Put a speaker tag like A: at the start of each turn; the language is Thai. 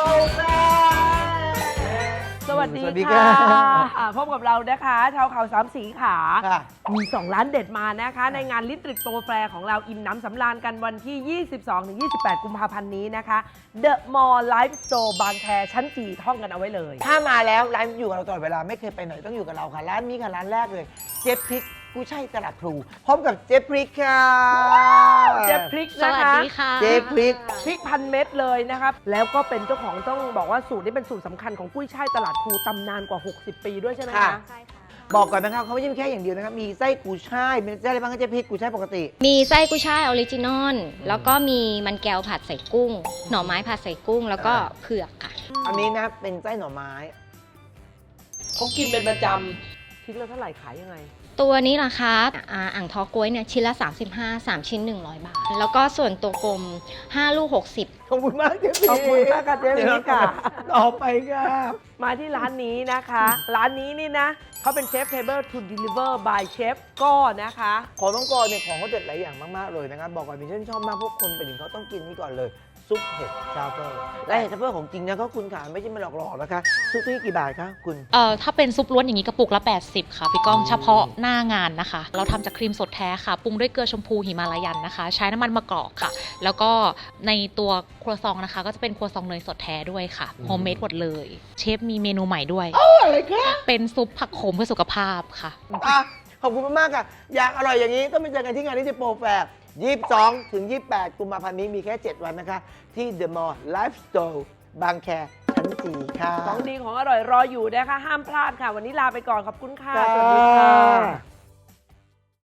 A: แฟ
B: สวัสดี
A: สวัสดี
B: ค่ะ
A: ค่ะ
B: พบกับเรานะคะชาวข่าวสามสีขา
A: ค่ะ
B: มี 2 ร้านเด็ดมานะคะ ในงานลิตริกโปรแฟร์ของเราอิ่มน้ำสำราญกันวันที่ 22-28 กุมภาพันธ์นี้นะคะ The Mall Life Store บางแคชั้นจีท่องกันเอาไว้เลย
A: ถ้ามาแล้วร้านอยู่กับเราตลอดเวลาไม่เคยไปไหนต้องอยู่กับเราค่ะร้านนี้ค่ะร้านแรกเลยเจ๊พริกกุ้ยช่ายตลาดพลูพร้อมกับเจ๊พริกค่ะ
B: เจ๊พริก
C: ส
B: นะ
C: วัส
B: คะ
C: ดีค่ะ
A: เจ๊พริก
B: พริกพันเม็ดเลยนะครับ แล้วก็เป็นเจ้าของต้องบอกว่าสูตรนี้เป็นสูตรสำคัญของกุ้ยช่ายตลาดพลูตำนานกว่า 60 ปีด้วยใช่ไหม
A: ค่ะ
B: คะ
C: ใช่ค่ะ
A: บอกก่อนนะครับเขาไม่ใช่แค่อย่างเดียวนะครับมีไส้กุ้ยช่ายมีไส้อะไรบ้างคะเจ๊พริกกุ้ยช่ายปกติ
C: มีไส้กุ้ยช่ายออริจินอล แล้วก็มีมันแก้วผัดใส่กุ้ง หน่อไม้ผัดใส่กุ้ง แล้วก็เผือกค่ะ
A: อันนี้นะเป็นไส้หน่อไม้
B: เขากินเป็นประจำชิ้นละเท่าไหร่ขายยังไง
C: ตัวนี้ราคาอ่างทอกล้วยเนี่ยชิ้นละ 35 3 ชิ้น 100 บาท แล้วก็ส่วนตัวกลม 5 ลูก 60
A: ขอบคุณมากเจ๊พริก
B: ขอบคุณมากค่ะเจ๊พริกค่ะ
A: ต่อไปค่ะ
B: มาที่ร้านนี้นะคะ ร้านนี้นี่นะเขาเป็นเชฟเทเบิลทูดิลิเวอร์บายเชฟก้อนะคะ
A: ของน้องกรเนี่ยของเขาเด็ดหลายอย่างมากๆเลยนะครับบอกก่อนพี่ฉันชอบมากพวกคนไปถึงเขาต้องกินนี่ก่อนเลยซุปเห็ดทรัฟเฟิลและเห็ดทรัฟเฟิลของจริงนะก็คุณขาไม่ใช่มาหลอกๆนะคะซุปนี่กี่บาทคะคุณ
D: ถ้าเป็นซุปล้วนอย่างนี้กระปุกละ 80 ค่ะ พี่ก้องเฉพาะหน้างานนะคะ เราทำจากครีมสดแท้ค่ะ ปรุงด้วยเกลือชมพูหิมาลายันนะคะ ใช้น้ำมันมะกอกค่ะ แล้วก็ในตัวครัวซองนะคะ ก็จะเป็นครัวซองเนยสดแท้ด้วยค่ะโฮมเมดหมดเลย เชฟมีเมนูใหม่ด้วย
A: อะไรคะ
D: เป็นซุปผักโขมเพื่อสุขภาพค่ะ
A: อ่ะขอบคุณมากๆค่ะ อยากอร่อยอย่างนี้ต้องไปเจอกันที่งานนี้ที่โปรแฟร์22 ถึง 28 กุมภาพันธ์นี้มีแค่ 7 วันนะคะ ที่ The Mall Life Store บางแคชั้น4ค่ะ
B: ของดีของอร่อยรออยู่นะคะ ห้ามพลาดค่ะ วันนี้ลาไปก่อนขอบคุณค่ะ
A: จ้า
B: สวัสดีค่ะ